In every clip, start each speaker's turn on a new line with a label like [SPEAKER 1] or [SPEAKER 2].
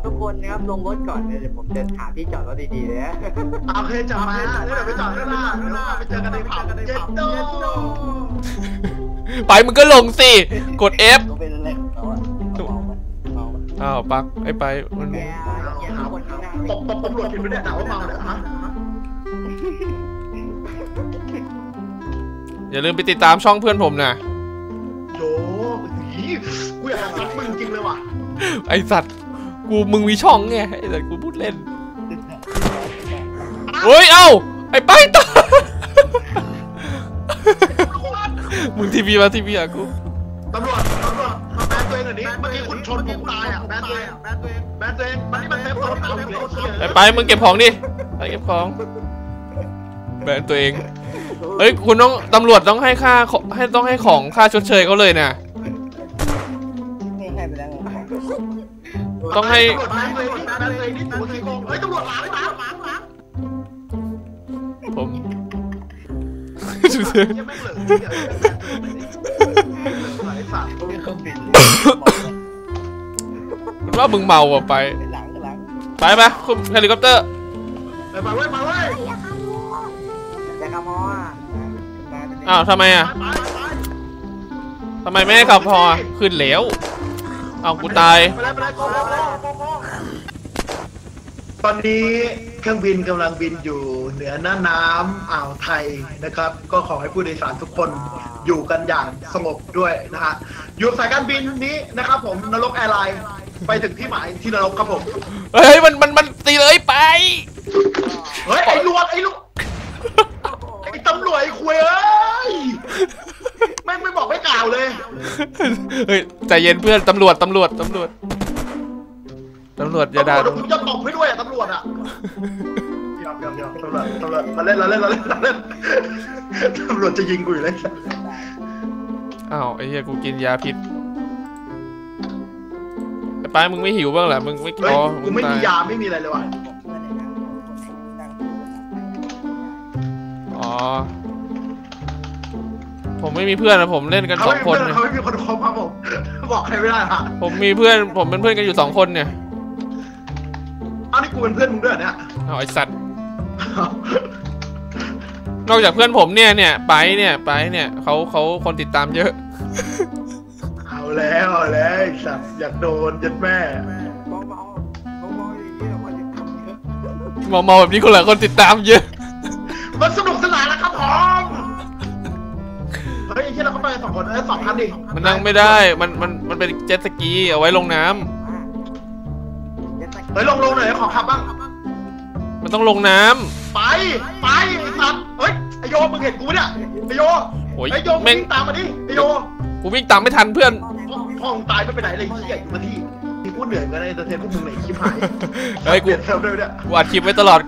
[SPEAKER 1] ทุกคนนะครับลงรถก่อนเดี๋ยวผมจะหาที่จอดรถดีๆเลยนะ
[SPEAKER 2] โอเคจอดมาแล้วเดี๋ยวไปจอดข้างหน้าเดี๋ยวเราไปเจอกันในผับเจ็ดโด
[SPEAKER 3] ไปมึงก็ลงสิกด F
[SPEAKER 1] เป็นอะไรของเขาอะเมา
[SPEAKER 3] อ้าวปักไอ้ไปมัน
[SPEAKER 1] แกหาคนข้างหน้า
[SPEAKER 2] ตำรวจผิดไปเนี่ยด่าว่าเมาเนี่ยฮะ
[SPEAKER 3] อย่าลืมไปติดตามช่องเพื่อนผมนะ
[SPEAKER 2] โยกูอยากซัดมึงจริงเลยว่ะ
[SPEAKER 3] ไอสัตว์มึงมีช่องไงไอสัตว์กูพูดเล่นเฮ้ยเอ้าไอไปต่อมึงทีวีมาทีวีอะกู
[SPEAKER 2] ตำรวจมาแบนตัวเองหน่อยดิเมื่อกี้คุณชนผมตายอ่ะแบนตัวเองมันนี่มันเต็มรถเอาเลย
[SPEAKER 3] ไปมึงเก็บของดิไปเก็บของแบนตัวเองเฮ้ยคุณต้องตำรวจต้องให้ค่าต้องให้ของค่าชดเชยเขาเลยนะ
[SPEAKER 1] ไม่ให้ไปแล้วไง
[SPEAKER 3] ต้องให้
[SPEAKER 2] ตำรวจแบนตัวเองนี่ตัวขี้โกงเฮ้ยตำรวจหลัง
[SPEAKER 3] ผม
[SPEAKER 2] ยังไม่เหลือ
[SPEAKER 3] ว่ามึงเมาอ่ะไปไหมคุณเฮลิคอปเตอร์
[SPEAKER 2] ไปเว้ย
[SPEAKER 1] แต่ขโมย
[SPEAKER 3] อ้าวทำไมอ่ะทำไมไม่ให้ขับพอขึ้นแล้วเอากูตาย
[SPEAKER 2] ตอนนี้เครื่องบินกำลังบินอยู่เหนือหน้าน้ำอ่าวไทยนะครับก็ขอให้ผู้โดยสารทุกคนอยู่กันอย่างสงบด้วยนะฮะอยู่สายการบินนี้นะครับผมนรกแอร์ไลน์ไปถึงที่หมายที่นรกครับผม
[SPEAKER 3] เฮ้ยมันตีเลยไป
[SPEAKER 2] เฮ้ยไอ้ลูกไอ้ตำรวจไอ้คุยเอ้ยไม่บอกไม่กล่าวเลย
[SPEAKER 3] เฮ้ยใจเย็นเพื่อนตำรวจอย่าด่า
[SPEAKER 2] ตำรวจผมจะตบให้ด้วยอะตำรวจอะเดี๋ยวตำรวจมาเล่นตำรวจจะยิงกูอยู่เลย
[SPEAKER 3] อ้าวไอ้เหี้ยกูกินยาพิษไอ้ป้ามึงไม่หิวบ้างเหรอมึงไม่
[SPEAKER 2] อ๋อกูไม่มียาไม่มีอะไรเลยว่ะ
[SPEAKER 3] อ๋อผมไม่มีเพื่อนนะผมเล่นกัน2 คน
[SPEAKER 2] เขาไม่มีคนคบครับผมบอกใครไม่ได้ฮะ
[SPEAKER 3] ผมมีเพื่อนผมเป็นเพื่อนกันอยู่2 คนเนี่ย
[SPEAKER 2] อ้าวนี่กูเป็นเพื่อนมึงด้วยเนี่ย
[SPEAKER 3] เอาไอสัตว์นอกจากเพื่อนผมเนี่ยไปเนี่ยเขาคนติดตามเยอะ
[SPEAKER 2] เอาแล้วไอสัตว์อยากโดนยัดแม่
[SPEAKER 3] เมาแบบนี้คนละคนติดตามเยอะ
[SPEAKER 2] มันสนุกสนานแล้วครับผมเฮ้ยไอ้ที่เราเข้าไป2 คน2 คันดิ
[SPEAKER 3] มันนั่งไม่ได้มันเป็นเจ็ตสกีเอาไว้ลงน้ำ
[SPEAKER 2] เฮ้ยลงหน่อยขอขับบ้าง
[SPEAKER 3] มันต้องลงน้ำ
[SPEAKER 2] ไปไอ้สัตว์เฮ้ยไอโยมึงเห็นกูเนี่ยไอโยไอโยวิ่งตามมาดิไอโย
[SPEAKER 3] กูวิ่งตามไม่ทันเพื่อน
[SPEAKER 2] ห้องตายไม่ไปไหนเลยขี้ใหญ่อยู่มาที่พูดเหนื่อยกันเลยแต่เทนพวกมึงไหนขี้หาย
[SPEAKER 3] เฮ้ยกูอัดคลิปไว้ตลอด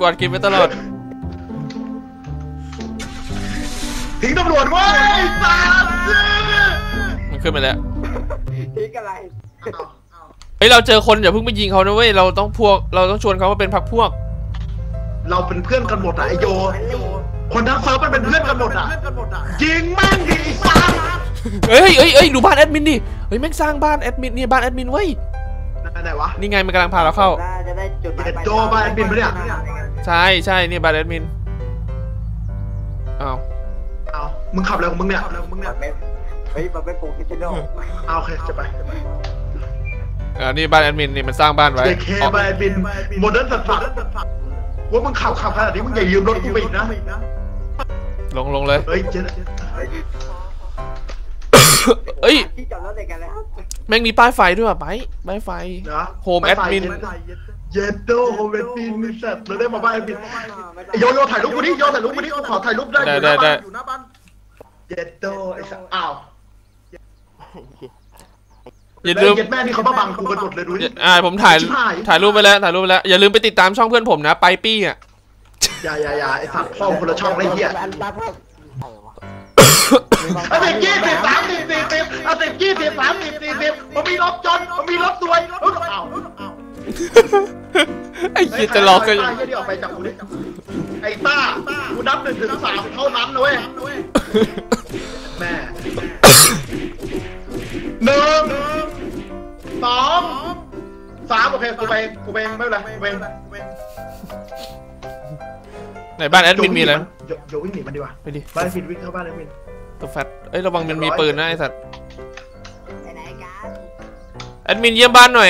[SPEAKER 2] ทิ้งตำรวจไว้สัตว์
[SPEAKER 3] มันขึ้นมาแล้ว
[SPEAKER 1] ทิ้งอะไร
[SPEAKER 3] เฮ้ยเราเจอคนอย่าเพิ่งไปยิงเขานะเว้ยเราต้องชวนเขามาเป็นพรรคพวก
[SPEAKER 2] เราเป็นเพื่อนกันหมดอะไอโยคนทั้งเซิร์ฟมันเป็นเพื่อนกันหมดอะยิงแม่งดิสัตว์
[SPEAKER 3] เฮ้ยดูบ้านแอดมินดิเฮ้ยแม่งสร้างบ้านแอดมินนี่บ้านแอดมินเว้ย
[SPEAKER 2] ไหนวะ
[SPEAKER 3] นี่ไงมันกำลังพาเราเข้า
[SPEAKER 1] จะได้จุด
[SPEAKER 2] โจบ้านแอดมินปะเนี่ย
[SPEAKER 3] ใช่นี่บ้านแอดมินอ้าว
[SPEAKER 2] มึงขับอะไรของมึงเนี่ย
[SPEAKER 1] เฮ้ยมันเป็นโปรเฟชชั่นอล
[SPEAKER 2] โอเคจะไป
[SPEAKER 3] นี่บ้านแอดมินนี่มันสร้างบ้านไว้
[SPEAKER 2] เคบ้านแอดมินโมเดิร์นสัตว์ว่ามึงขับขนาดนี้มึงอย่ายืมรถกูไปอีกนะ
[SPEAKER 3] ลงเลย
[SPEAKER 2] เฮ้ย
[SPEAKER 1] ที่จอดรถไหนกันแล้ว
[SPEAKER 3] แม่งมีป้ายไฟด้วยป่ะป้ายไฟโฮมแอดมิน
[SPEAKER 2] เยดโดโฮมแอดมินมีสัตว์เราได้มาบ้านแอดมินโยถ่ายรูปกูดิขอถ่ายรูปได้อยู่หน้าบ้านเยดโดไอ้สัตว์อ้าวอย่าลืมแม่นี่เขามาบังกูกันหมดเลยดูดิ
[SPEAKER 3] ผมถ่ายรูปไปแล้วอย่าลืมไปติดตามช่องเพื่อนผมนะไปปี้อ่ะ
[SPEAKER 2] อย่าไอ้สัตว์ช่องคนละช่องไอ้เหี้ย10 มันมีรถจนมันมีรถสวย
[SPEAKER 3] ไอ้เหี้ยจะหลอกกัน
[SPEAKER 2] ออกไปจากกูดิไอ้ต้ากูนับ1 ถึง 3เท่านั้นนะเว้ยแม่1 2 3โอเคกูไปไม่เป็นไรกูไป
[SPEAKER 3] ไหนบ้านแอดมินมีอะไร
[SPEAKER 2] โยวิ่งหนีมันดีกว่า
[SPEAKER 3] ไปดิ
[SPEAKER 2] บ้านแอดมินวิ่งเข้าบ้านแอดมิน
[SPEAKER 3] ตัวแฟตเอ้ยระวังมันมีปืนนะไอ้สัตว์
[SPEAKER 1] ไปไหนกัน
[SPEAKER 3] แอดมินเยี่ยมบ้านหน่อย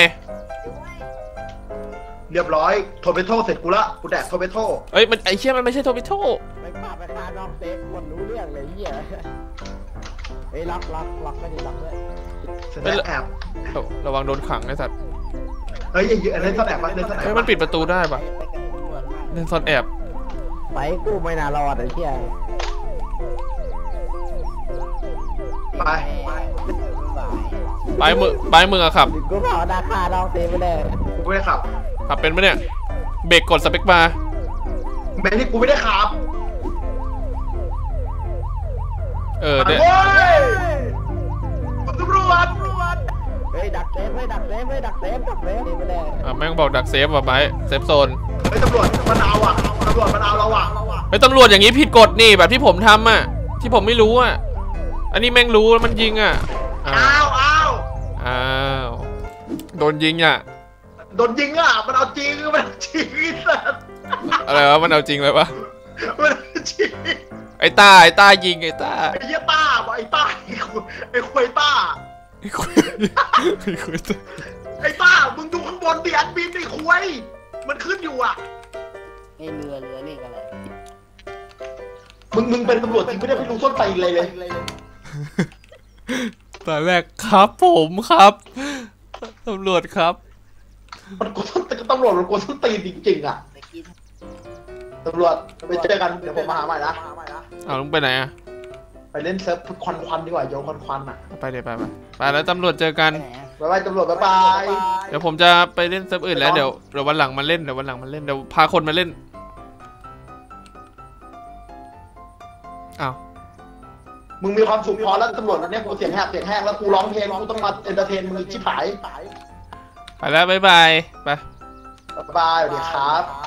[SPEAKER 2] เรียบร้อยโทรไปโทษเสร็จกูละกูแดกโทรไปโทษ
[SPEAKER 3] เอ้ยมันไอ้เชี่ยมันไม่ใช่โทบิโต้
[SPEAKER 1] ไปฆ่าน้องเซฟคนรู้เรื่องเลยเหี้ยเฮ้ยล็อกไม่ดีล็อกด้วย
[SPEAKER 2] เสร็จแล้วแอบ
[SPEAKER 3] ระวังโดนขังไอ้สัตว์
[SPEAKER 2] เฮ้ยอย่าเล่นซ่อนแอบปะเล่นซ่อนแอบ
[SPEAKER 3] เฮ้ยมันปิดประตูได้ปะ
[SPEAKER 1] ไปกันตำรวจมาก
[SPEAKER 3] เล่นซ่อนแอบ
[SPEAKER 1] ไปกูไม่น่ารอดไอ้เหี้ย
[SPEAKER 2] ไป
[SPEAKER 3] ปลายมืออะขับ
[SPEAKER 1] กูเผาดาคาน้องเซฟไปเลย
[SPEAKER 2] กูไม่ได้ขับ
[SPEAKER 3] ขับเป็นปะเนี่ยเบรกกดสเปคบาร์
[SPEAKER 2] แม่ที่กูไม่ได้ขับ
[SPEAKER 3] เนี่ย
[SPEAKER 2] เฮ้ยตำรวจ
[SPEAKER 1] เฮ้ยดักเซฟดักเซฟไปเลย
[SPEAKER 3] แม่งบอกดักเซฟว่ะไบเซฟโซน
[SPEAKER 2] เฮ้ยตำรวจมันเอาอ่ะตำรวจมันเอาเราอ่ะ
[SPEAKER 3] เฮ้ยตำรวจอย่างนี้ผิดกฎนี่แบบที่ผมทำอ่ะที่ผมไม่รู้อ่ะอันนี้แม่งรู้แล้วมันยิงอ่ะอ้าวโดนยิงอ่ะ
[SPEAKER 2] โดนยิงอ่ะมันเอาจริงสัส
[SPEAKER 3] อะไรวะมันเอาจริงเลยวะ
[SPEAKER 2] มันเอาจริง
[SPEAKER 3] ไอ้ต้ายิงไอ้ต้า
[SPEAKER 2] ไอ้เหี้ยต้าไอ้ต้าไอ้ควยต้า
[SPEAKER 3] ไอ้คุย
[SPEAKER 2] ไอ้ต้ามึงดูข้างบนดิแอดมินไอ้ควยมันขึ้นอยู่อ่ะ
[SPEAKER 1] ไอ้เรือนี่กันเลย
[SPEAKER 2] มึงเป็นตำรวจจริงไม่ได้ไปรู้ส้นตีนเลย
[SPEAKER 3] ตอนแรกครับผมครับตำรวจครับ
[SPEAKER 2] มันกลัวส้นตีนตำรวจมันกลัวส้นตีนจริงๆอ่ะตำรวจไปเจอกันเดี๋ยวผมมาหาใหม่นะ
[SPEAKER 3] เอาลุงไปไหนอ่ะ
[SPEAKER 2] ไปเล่นเซิร์ฟควันดีกว่าโยนควันอ่ะ
[SPEAKER 3] ไปเลยไปแล้วตำรวจเจอกัน
[SPEAKER 2] บ๊ายบายตำรวจบ๊ายบาย
[SPEAKER 3] เดี๋ยวผมจะไปเล่นเซิร์ฟอื่นแล้วเดี๋ยววันหลังมาเล่นเดี๋ยวพาคนมาเล่นอ้าว
[SPEAKER 2] มึงมีความสุขพอแล้วตำรวจเนี่ยกูเสียงแหบแล้วกูร้องเพลงกูต้องมาเอนเตอร์เทนมึงชิบหาย
[SPEAKER 3] ไปแล้วบ๊ายบายไป
[SPEAKER 2] บ๊ายบายสวัสดีครับ